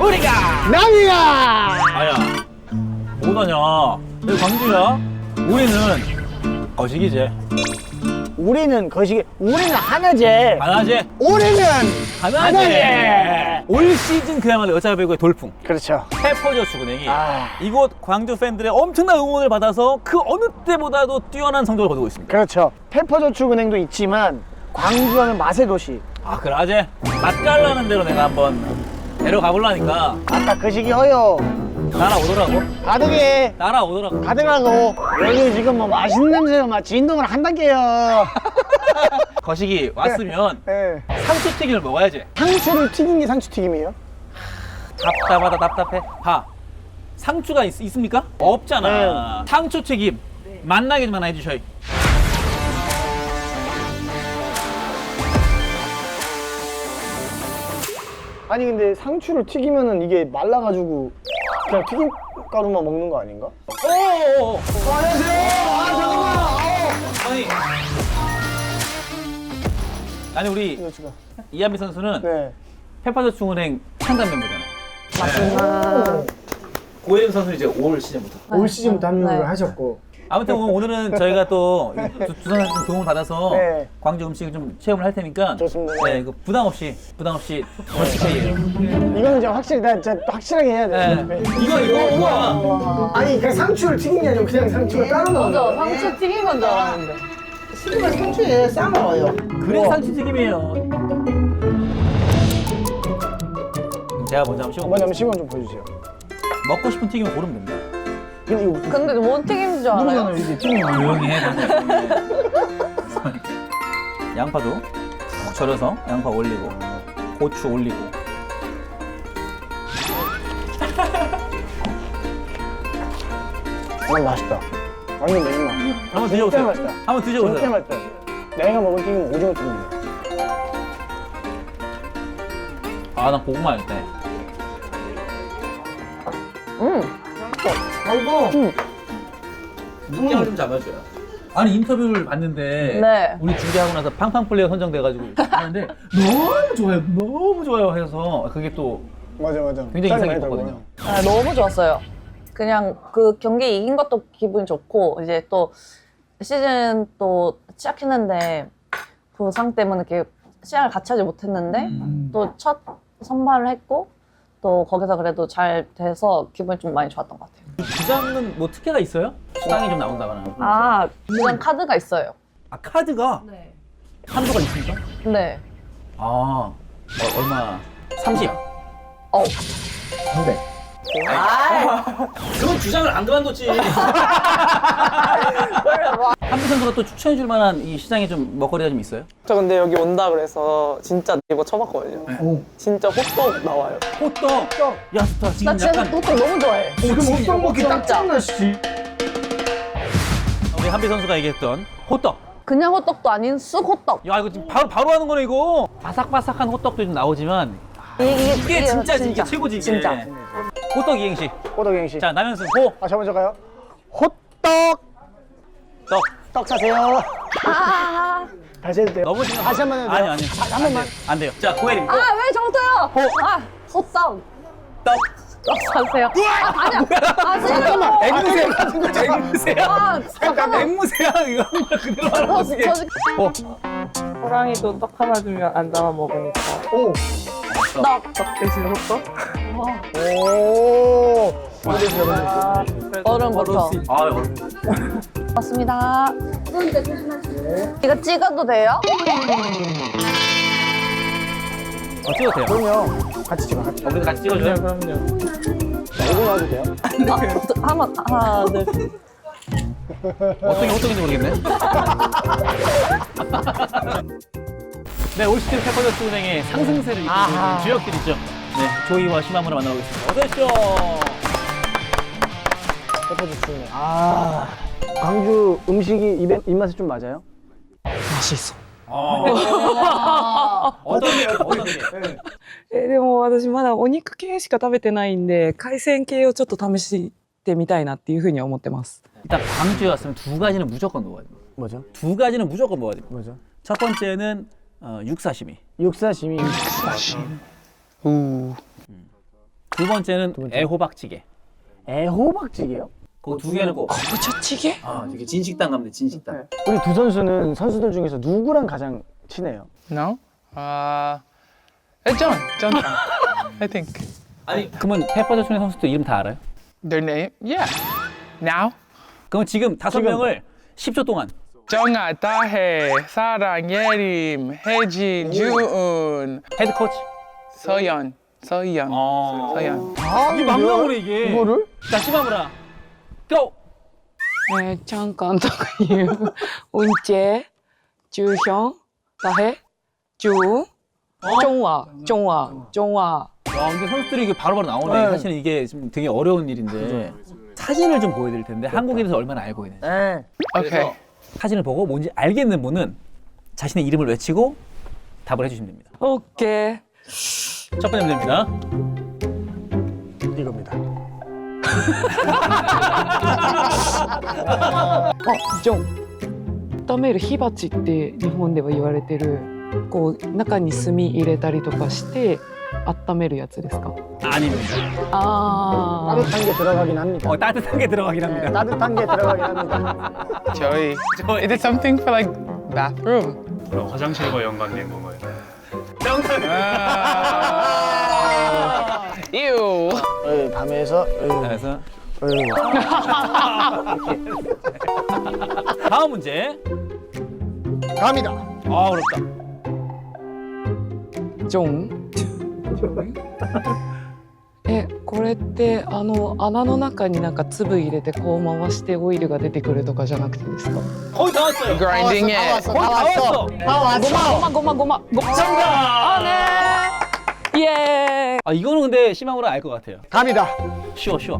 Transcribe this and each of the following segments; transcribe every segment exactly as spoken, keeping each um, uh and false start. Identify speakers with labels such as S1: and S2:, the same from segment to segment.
S1: 우리가
S2: 남이야.
S1: 아야 뭐하냐 여기 광주야. 우리는 거시기지.
S2: 우리는 거시기. 우리는 하나지.
S1: 하나지.
S2: 우리는
S1: 하나지.
S2: 하나지.
S1: 올 시즌 그야말로 여자 배구의 돌풍
S2: 그렇죠.
S1: 페퍼저축은행이
S2: 아.
S1: 이곳 광주 팬들의 엄청난 응원을 받아서 그 어느 때보다도 뛰어난 성적을 거두고 있습니다.
S2: 그렇죠. 페퍼저축은행도 있지만 광주하면 맛의 도시.
S1: 아 그러지. 맛깔나는 대로 내가 한번 데려가 보려니까
S2: 아까 거시기 허요.
S1: 따라오더라고.
S2: 가득해.
S1: 따라오더라고.
S2: 가득하고 여기 지금 뭐 맛있는 냄새가 막 진동을 한단게요.
S1: 거시기 왔으면
S2: 예.
S1: 상추튀김을 먹어야지.
S2: 상추를 튀긴 게 상추튀김이에요?
S1: 답답하다 답답해. 봐. 상추가 있, 있습니까? 없잖아. 상추튀김 만나게만 해주셔요.
S2: 아니 근데 상추를 튀기면은 이게 말라가지고 그냥 튀김 가루만 먹는 거 아닌가?
S1: 오오오.
S2: 안녕하세요. 아 잠깐만.
S1: 아니. 아니 우리
S2: 이거 지금.
S1: 이한비 선수는
S2: 네.
S1: 페퍼저축은행 창단 멤버잖아요.
S2: 맞습니다.
S1: 고혜림 선수는 이제 올 시즌부터.
S2: 올 시즌부터 합류를
S3: 네.
S2: 하셨고.
S1: 아무튼 오늘은 저희가 또 두산 도움을 받아서
S2: 네.
S1: 광주 음식을 좀 체험을 할 테니까
S2: 좋습니다.
S1: 네, 그 부담 없이 부담 없이 더치페이예요.
S2: 이거는 진짜 확실히 나 진짜 확실하게 해야 돼.
S1: 네. 이거 이거 이거.
S2: 아니 그냥 상추를 튀긴 게 아니고 그냥 상추를 따로 넣는
S3: 맞아,
S2: 거야.
S3: 상추 튀긴 건 줄 알았는데.
S2: 튀김을 상추에 싸 먹어요.
S1: 그래 상추튀김이에요. 제가 먼저 한번 씹어.
S2: 먼저 한번 시범 좀 보여주세요.
S1: 먹고 싶은 튀김을 고르면 됩니다.
S2: 근데 이거
S3: 근데 뭔 튀김인 줄 알아요?
S2: 누르잖아요 이게 튀김.
S1: 조용히 해. 양파도 푹 절여서 양파 올리고 고추 올리고.
S2: 아 맛있다. 완전 매운맛.
S1: 한번
S2: 진짜
S1: 드셔보세요.
S2: 맛있다.
S1: 한번
S2: 진짜
S1: 드셔보세요.
S2: 맛있다. 내가 먹은 튀김은 오징어 튀김이야.
S1: 아, 나 고구마 할 때.
S3: 음.
S2: 아이고.
S1: 눈깨를 좀 잡아줘요. 아니 인터뷰를 봤는데
S3: 네.
S1: 우리 중계하고 나서 팡팡 플레이어 선정돼가지고 하는데 너무 좋아요, 너무 좋아요 해서 그게 또
S2: 맞아 맞아.
S1: 굉장히
S2: 짤이
S1: 인상이
S2: 많이
S1: 깊었거든요.
S2: 들어가요.
S3: 아, 너무 좋았어요. 그냥 그 경기 이긴 것도 기분이 좋고 이제 또 시즌 또 시작했는데 부상 때문에 이렇게 시작을 같이 하지 못했는데
S1: 음.
S3: 또 첫 선발을 했고 또 거기서 그래도 잘 돼서 기분이 좀 많이 좋았던 것 같아요.
S1: 주장은 뭐 특혜가 있어요? 수당이 좀 나온다거나.
S3: 아, 그냥 카드가 있어요.
S1: 아 카드가
S3: 네.
S1: 한도가 있습니까?
S3: 네.
S1: 아 어, 얼마? 삼십.
S3: 어.
S2: 삼백.
S1: 그건 주장을 안 그만뒀지. 한비 선수가 또 추천해줄 만한 이 시장에 좀 먹거리가 좀 있어요?
S4: 저 근데 여기 온다 그래서 진짜 네이버 쳐봤거든요.
S2: 오.
S4: 진짜 호떡 나와요.
S1: 호떡. 야, 스타
S3: 나
S1: 지금
S3: 진짜
S1: 약간
S3: 호떡 너무 좋아해.
S2: 그럼 호떡 먹기 딱
S3: 진짜.
S2: 짱나시지.
S1: 우리 한비 선수가 얘기했던 호떡.
S3: 그냥 호떡도 아닌 쑥 호떡.
S1: 야 이거 지금 바로 바로 하는 거네 이거. 바삭바삭한 호떡도 좀 나오지만
S3: 이게,
S1: 이게 진짜지 이게 최고지 이게.
S3: 진짜.
S1: 호떡 이행시.
S2: 호떡 씨.
S1: 자 남현승 호.
S2: 아, 저 먼저 가요. 호떡.
S1: 떡.
S2: 떡 사세요.
S3: 아,
S2: 다시 해도 돼요.
S1: 너무 지금
S2: 다시 한 번 해도 돼요.
S1: 아니 아니.
S2: 아, 한 번만.
S1: 안 돼요. 자 고혜림.
S3: 아, 왜 정도요?
S1: 호.
S3: 아, 호떡.
S1: 떡.
S3: 떡 사세요. 아, 아니야. 아,
S2: 잠깐만.
S1: 앵무새 같은 거 앵무새야.
S3: 아, 잠깐만.
S1: 앵무새야 이거 한번 그대로 하는
S3: 어,
S1: 거지.
S3: 저,
S1: 호.
S4: 호랑이도 떡 하나 주면 안 담아 먹으니까
S2: 오.
S3: 떡.
S4: 떡 대신 호떡?
S2: 오.
S4: 아, 그래도
S3: 얼음부터.
S1: 아 어렵네.
S3: 맞습니다. 이거 찍어도 돼요?
S1: 어 찍어도 돼요.
S2: 그럼요. 같이 찍어. 같이.
S1: 어, 우리도 같이 찍어줘요.
S4: 그럼요.
S2: 얼굴 나와도 돼요?
S3: 아, 한번 하나, 둘.
S1: 어떤 게 호떡인지 모르겠네. 네, 올 시즌 페퍼저축은행의 상승세를 이끌고 있는 주역들이죠. 네, 조이와 시마무를 만나고 있습니다. 어서 오십시오.
S2: 페퍼저축은행. 아. 광주 음식이 입에, 입맛에 좀 맞아요?
S1: 아. 어떤 게, 어떤 게?
S5: えーでも私まだお肉系しか食べてないんで海鮮系をちょっと試してみたいなっていうふうには思ってます
S1: 일단 광주에 왔으면 두 가지는 무조건 먹어야 돼요.
S2: 뭐죠?
S1: 두 가지는 무조건 먹어야 돼요.
S2: 뭐죠?
S1: 첫 번째는 어, 육사시미.
S2: 육사시미. 육사시미.
S4: 우.
S1: 두 번째는 애호박찌개.
S2: 애호박찌개요?
S1: 그 두 개는 꼭.
S5: 부처찌개?
S1: 아, 되게 진식당 가면 돼, 진식당.
S2: 우리 두 선수는 선수들 중에서 누구랑 가장 친해요?
S6: No? Uh, it's John. John. I think.
S1: 아니, 그러면 페퍼저촌의 선수들 이름 다 알아요?
S6: Their name? Yeah. Now?
S1: 그럼 지금 다섯
S2: 지금.
S1: 명을 십 초 동안.
S6: 정아, 다혜, 사랑, 예림, 혜진, 주은,
S1: 헤드 코치.
S6: 서연, 서연,
S1: 어.
S6: 서연.
S2: 아,
S1: 이게 맞명으로 이게.
S2: 이거를?
S1: 자, 시마무라. 고!
S5: 네, 잠깐いう運慶、中hyun、다혜、주、정화, 정화, 정화.
S1: 와, 근데 선수들이 이게 바로바로 나오네.
S2: 네.
S1: 사실은 이게 좀 되게 어려운 일인데. 사진을 좀 보여드릴 텐데 한국에 대해서 얼마나 알고 있는지.
S2: 네.
S6: Okay.
S1: 사진을 보고 뭔지 알겠는 분은 자신의 이름을 외치고 답을 해주시면 됩니다.
S5: 오케이.
S1: 첫 번째 문제입니다.
S2: 이겁니다.
S5: あ、ジョン。温める火鉢って日本では言われてる、こう中に炭入れたりとかして温めるやつですか？
S1: 아닙니다.
S5: 아.
S2: 따뜻한 게 들어가긴 합니다.
S1: 어, 따뜻한 게 들어가긴
S2: 네,
S1: 합니다.
S2: 따뜻한 게 들어가긴 합니다.
S6: Joey. Is it something for like bathroom?
S7: 그럼 화장실과 연관된 건가요?
S6: Uh, ew.
S2: 어, 밤에서 어,
S1: 그래서
S2: 어,
S1: 다음 문제.
S2: 갑니다.
S1: 아, 어렵다.
S5: ジョン。え、これってあの穴の中になんか粒入れてこう回してオイルが出てくるとかじゃなくてですか？
S1: 거의 다 왔어요.
S6: Grinding it.
S1: 거의 다 왔어.
S2: 다 왔어.
S5: 고마 고마 고마 고마. 정답. 아 네. 예.
S1: 아, 이거는 근데 심함으로 알 것 같아요.
S2: 갑니다.
S1: 쉬워, 쉬워.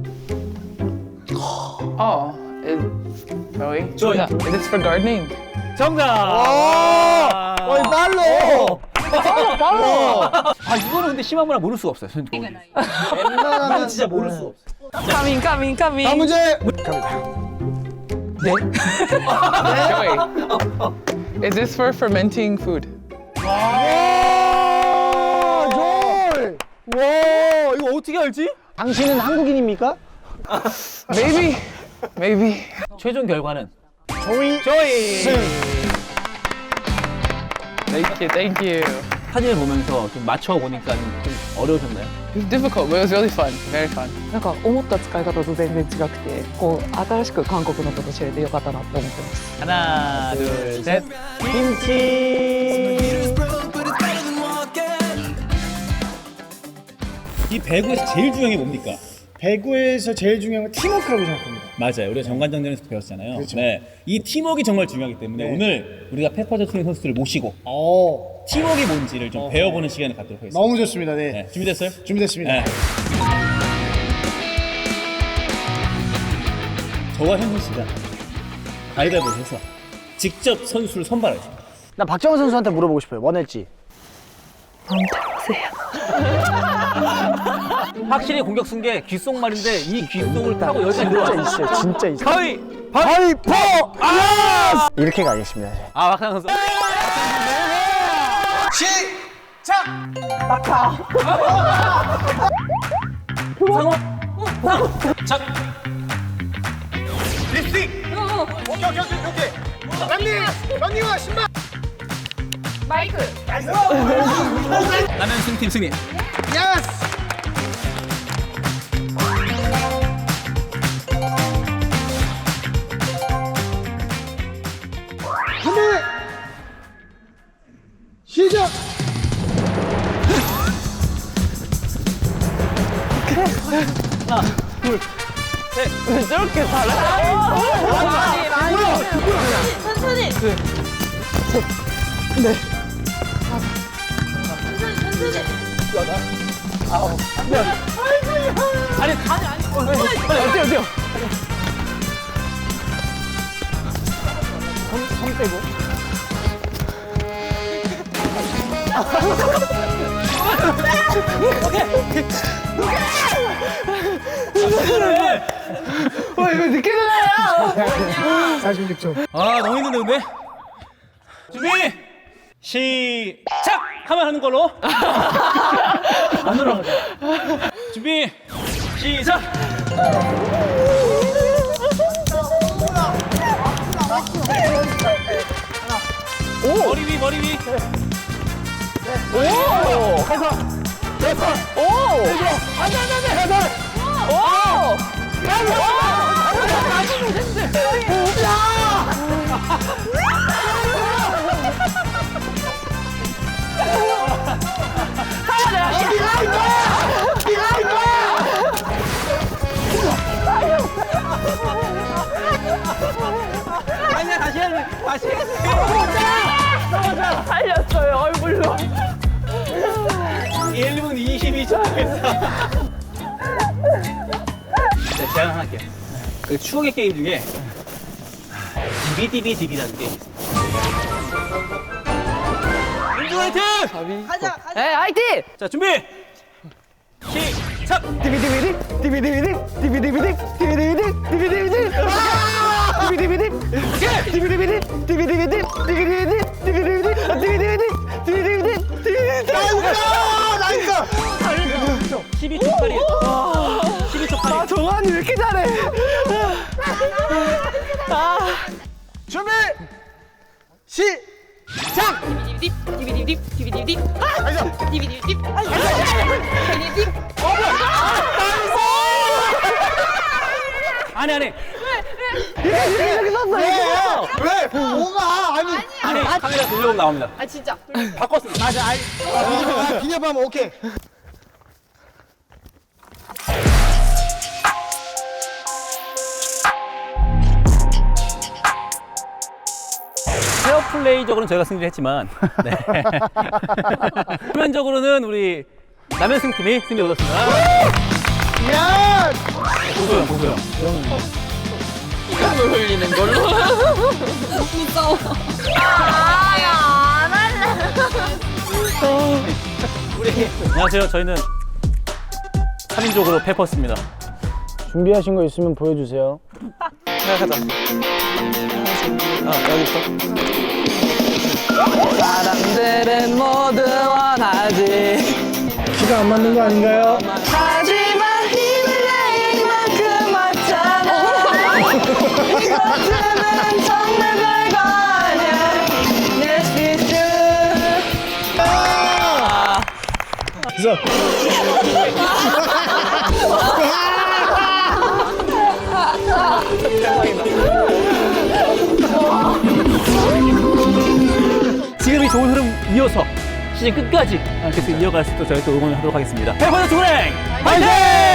S6: Oh, is Joey?
S1: Joey.
S6: Yeah. Is this for gardening?
S1: 정답.
S2: 어이, 빨로.
S1: 빨로, 빨로. 아, 이거는 근데 심함으로 모를 수가 없어요. 전
S2: 웬만하면
S1: 진짜 모를 수 없어.
S5: 카밍 카밍 카밍.
S2: 다음 문제 갑니다.
S6: Joey. Is this for fermenting food?
S2: 와, 졸.
S1: 와, 이거 어떻게 알지?
S2: 당신은 한국인입니까?
S6: Maybe. Maybe.
S1: 최종 결과는
S2: 조이.
S1: 조이.
S2: 승.
S6: Thank you. Thank you.
S1: 사진을 보면서 좀 맞춰 보니까 좀, 좀 어려우셨나요?
S6: It was difficult, but it was really fun. Very fun.
S5: なんか思った使い方と全然違くて、こう新しく韓国のこと知れてよかったなって思ってます。
S1: 하나, 둘, 셋.
S2: 김치.
S8: 이 배구에서 제일 중요한 게 뭡니까?
S2: 배구에서 제일 중요한 건 팀워크라고 생각합니다.
S8: 맞아요. 우리가 정관장전에서 배웠잖아요.
S2: 그렇죠.
S8: 네. 이 팀워크가 정말 중요하기 때문에
S2: 네.
S8: 오늘 우리가 페퍼저축의 선수들을 모시고
S2: 어,
S8: 팀워크가 뭔지를 좀
S2: 어.
S8: 배워보는 시간을 갖도록 하겠습니다.
S2: 너무 좋습니다. 네.
S8: 네. 준비됐어요?
S2: 준비됐습니다.
S8: 네. 저와 현민 씨가 가위바위보를 해서 직접 선수를 선발하겠습니다.
S2: 나 박정원 선수한테 물어보고 싶어요. 원했지?
S1: 확실히 공격 쓴 게 귓속말인데 이 귓속을 타고 여기
S2: 진짜
S1: 들어왔어.
S2: 있어요. 진짜 있어요.
S1: 가위!
S2: 가위포! 아! 이렇게 가겠습니다.
S1: 아, 박상 선수. 나는 승팀 승리.
S2: 준비! 시작!
S3: 왜 저렇게 잘해? 천천히.
S1: 아니, 아니, 아니. 어디, 어디요?
S2: 손 빼고. 어, 이거 늦게 되나요? 사십육 초.
S1: 아, 너무 힘든데, 근데? 준비! 시작! 하면 하는 걸로. 안 돌아가자. 머리 위 머리 위. 아니야 다시 해야 돼. 다시.
S4: 살렸어요 얼굴로.
S1: 일 분 이십이 초 했어. 네, 제안 하나 할게요. 그 추억의 게임 중에 디비디비디비라는 게임이 있어요. 민주 화이팅!
S4: 가자 가자.
S3: 에 화이팅!
S1: 자 준비! 시작!
S2: 디비디비디 디비디비디 디비디비디 디비디비디 디비디비디 아! 디비디비디 디비디비디 디비디비디 디비디비디 디비디비디 디비디비디 디비디비디 디비디비디 나이스! 나이스!
S1: 십이 초 팔 일. 십이 초 팔 일.
S2: 아 정한이 왜 이렇게 잘해? 아 준비 시작!
S1: 안해 안해.
S2: 이렇게 썼어 이거 왜? 뭐가 아니
S1: 안해. 카메라 돌려보면 나옵니다.
S3: 아 진짜.
S1: 바꿨습니다.
S2: 맞아 아이 아, 기념하면 오케이
S1: 페어플레이적으로는 저희가 승리를 했지만 네. 표면적으로는 우리 남현승 팀이 승리를 얻었습니다.
S2: 야!
S1: 보고요 보고요.
S3: 이걸로 흘리는 걸로. 무서워. 아안 할래.
S1: 우리 안녕하세요. 저희는 삼 인족으로 페퍼스입니다.
S2: 준비하신 거 있으면 보여주세요
S1: 생각하자. 아 여기 있어.
S4: 사람들은 모두 원하지.
S2: 시간 안 맞는 거 아닌가요?
S4: 하지만 힘을 내 이만큼 왔잖아. 이것들은 정말 별거 아니야. Yes, it's true.
S2: 그래서
S1: 지금 이 좋은 흐름 이어서 시즌 끝까지 계속 이어갈 수 있도록 저희 또 응원하도록 하겠습니다. 페퍼스 투랭 화이팅!